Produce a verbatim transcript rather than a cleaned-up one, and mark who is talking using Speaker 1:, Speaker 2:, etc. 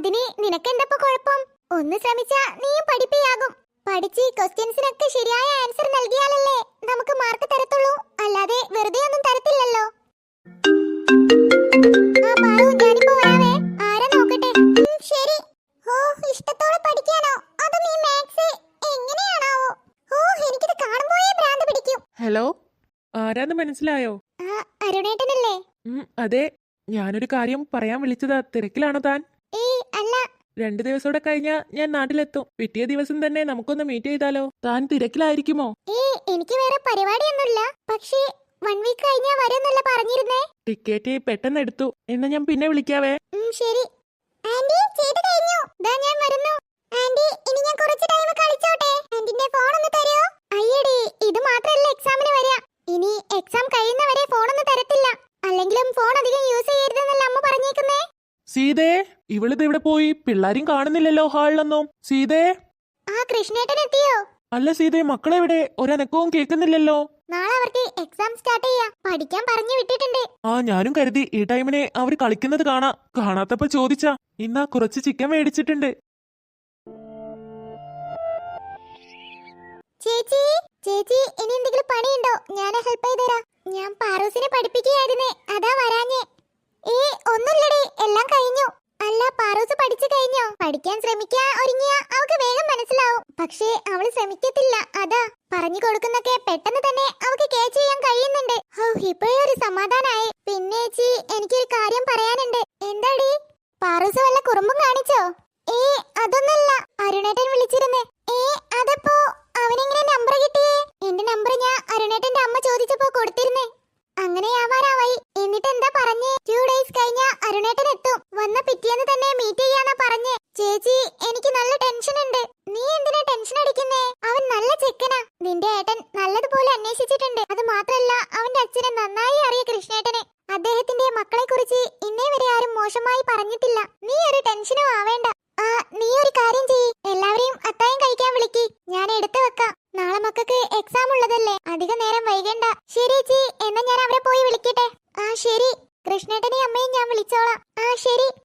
Speaker 1: അതിന് നിനക്കെന്തപ്പോ കുഴപ്പം? ഒന്ന് ശ്രമിച്ചാ നീയും പഠിപ്പിയാകും. പഠിച്ച് ക്വസ്റ്റ്യൻസിനൊക്കെ ശരിയായ ആൻസർ നൽകിയാലല്ലേ നമുക്ക് മാർക്ക് തരത്തുള്ളൂ. അല്ലാതെ വെറുതെ ഒന്നും തരത്തില്ലല്ലോ. ആ പാറു, ഞാനിപ്പോ വരാവേ. ആരാ നോക്കട്ടെ. ശരി. ഓ, ഇഷ്ടത്തോടെ പഠിക്കാനോ? അതും ഈ മാത്സ് എങ്ങനെയാണാവോ? ഓ, എനിക്കിത് കാണുമ്പോഴേ ഭ്രാന്ത് പിടിക്കും.
Speaker 2: ഹലോ, ആരാന്ന് മനസ്സിലായോ?
Speaker 1: ആ, അരുണേട്ടനല്ലേ?
Speaker 2: അതെ, ഞാനൊരു കാര്യം പറയാൻ വിളിച്ചതാ. തിരക്കിലാണോ താൻ?
Speaker 1: ഏയ് അല്ല.
Speaker 2: രണ്ടു ദിവസോടെ കഴിഞ്ഞാ ഞാൻ നാട്ടിലെത്തും. പിറ്റേ ദിവസം തന്നെ നമുക്കൊന്ന് മീറ്റ് ചെയ്താലോ? താൻ തിരക്കിലായിരിക്കുമോ?
Speaker 1: ഏയ്, എനിക്ക് വേറെ പരിപാടിയൊന്നുമില്ല. പക്ഷേ വൺ വീക്ക് കഴിഞ്ഞാ വരുമെന്നല്ല പറഞ്ഞിരുന്നേ.
Speaker 2: ടിക്കറ്റ് പെട്ടെന്ന് എടുത്തു. എന്നാ ഞാൻ പിന്നെ വിളിക്കാവേ.
Speaker 1: ശരി. ആന്റി, ചെയ്തു കഴിഞ്ഞു. ദാ ഞാൻ വരുന്നു. ആന്റി, ഇനി ഞാൻ കുറച്ച് ടൈം കളിച്ചോട്ടെ? ആന്റിന്റെ ഫോൺ ഒന്ന് തരുമോ? അയ്യടി, ഇത് മാത്രമല്ല എക്സാമിന് വരിക. ഇനി എക്സാം കഴിയുന്നവരെ ഫോണൊന്നും തരത്തില്ല. അല്ലെങ്കിലും ഫോൺ അധികം യൂസ് ചെയ്യരുതെന്നല്ല അമ്മ പറഞ്ഞേക്കുന്നേ.
Speaker 2: സീതേ, ഇവളിത് ഇവിടെ പോയി? പിള്ളാരും കാണുന്നില്ലല്ലോ ഹാളിലൊന്നും. സീതേ.
Speaker 1: ആ, കൃഷ്ണേട്ടൻ എത്തിയോ?
Speaker 2: അല്ല സീതേ, മക്കളെവിടെ? ഒരനക്കവും കേൾക്കുന്നില്ലല്ലോ.
Speaker 1: നാളെ അവർക്ക് എക്സാം സ്റ്റാർട്ട് ചെയ്യാ. പഠിക്കാൻ പറഞ്ഞു വിട്ടിട്ടുണ്ട്.
Speaker 2: ആ, ഞാനും കരുതി ഈ ടൈമിനെ അവർ കളിക്കുന്നത് കാണാ. കാണാത്തപ്പോ ചോദിച്ചാ. ഇന്നാ കുറച്ച് ചിക്കൻ മേടിച്ചിട്ടുണ്ട്.
Speaker 1: ചേച്ചി, ചേച്ചി, ഇനി എന്തെങ്കിലും പണിയുണ്ടോ? ഞാൻ ഹെൽപ്പ് ചെയ്തുതരാം. ഞാൻ പാറൂസിനെ പഠിപ്പിക്കുകയായിരുന്നേ, അതാ വരാഞ്ഞേ. ഏ, ഒന്നുമില്ലടി, എല്ലാം കഴിഞ്ഞു. അല്ല, പാറൂസ് പഠിച്ചു കഴിഞ്ഞോ? പഠിക്കാൻ ശ്രമിക്കാൻ ഒരുങ്ങിയാ അവൾക്ക് വേഗം മനസ്സിലാവും. പക്ഷേ അവള് ശ്രമിക്കത്തില്ല. അതാ പറഞ്ഞു കൊടുക്കുന്നൊക്കെ പെട്ടെന്ന് തന്നെ അവൾക്ക് കേച്ച് ചെയ്യാൻ കഴിയുന്നുണ്ട്. ഹോ, ഇപ്പോഴേ ഒരു സമാധാനായി. പിന്നെ ചേച്ചി, എനിക്കൊരു കാര്യം പറയാനുണ്ട്. എന്താടി? പാറൂസ് വല്ല കുറുമ്പും കാണിച്ചോ? ഏ, അതൊന്നല്ല. അരുണേട്ടൻ വിളിച്ചിരുന്നേ. ഏ, അതപ്പോ അവനെങ്ങനെ നമ്പർ കിട്ടിയേ? എന്റെ നമ്പർ ഞാൻ അരുണേട്ടന്റെ അമ്മ ചോദിച്ചപ്പോ കൊടുത്തിരുന്നേ. അങ്ങനെയാവാനാവായി. എന്നിട്ട് എന്താ പറഞ്ഞേ? ടു ഡേയ്സ് കഴിഞ്ഞാ അരുണേട്ടൻ എത്തും. വന്ന പിറ്റേന്ന് തന്നെ മീറ്റ് ചെയ്യാന്നാ പറഞ്ഞേ. ചേച്ചി, എനിക്ക് നല്ല ടെൻഷൻ ഉണ്ട്. നീ എന്തിനാ ടെൻഷൻ അടിക്കുന്നേ? അവൻ നല്ല ചെക്കനാ. നിന്റെ ഏട്ടൻ നല്ലതുപോലെ അന്വേഷിച്ചിട്ടുണ്ട്. അത് മാത്രല്ല, അവന്റെ അച്ഛനെ നന്നായി അറിയ കൃഷ്ണേട്ടനെ. അദ്ദേഹത്തിന്റെ മക്കളെ കുറിച്ച് ഇന്നേ വരെ ആരും മോശമായി പറഞ്ഞിട്ടില്ല. നീ ഒരു ടെൻഷനും ആവേണ്ട. ആ, നീ ഒരു കാര്യം ചെയ്യ്. എല്ലാവരെയും അത്തായം കഴിക്കാൻ വിളിക്ക്. ഞാൻ എടുത്തു വെക്കാം. നാളെ മക്കൾക്ക് എക്സാം ഉള്ളതല്ലേ, അധികം നേരം വൈകണ്ട. ശരി ചേച്ചി, എന്നാ ഞാൻ അവരെ പോയി വിളിക്കട്ടെ. ആ ശരി. കൃഷ്ണേട്ടനെയും അമ്മയും ഞാൻ വിളിച്ചോളാം. ആ ശരി.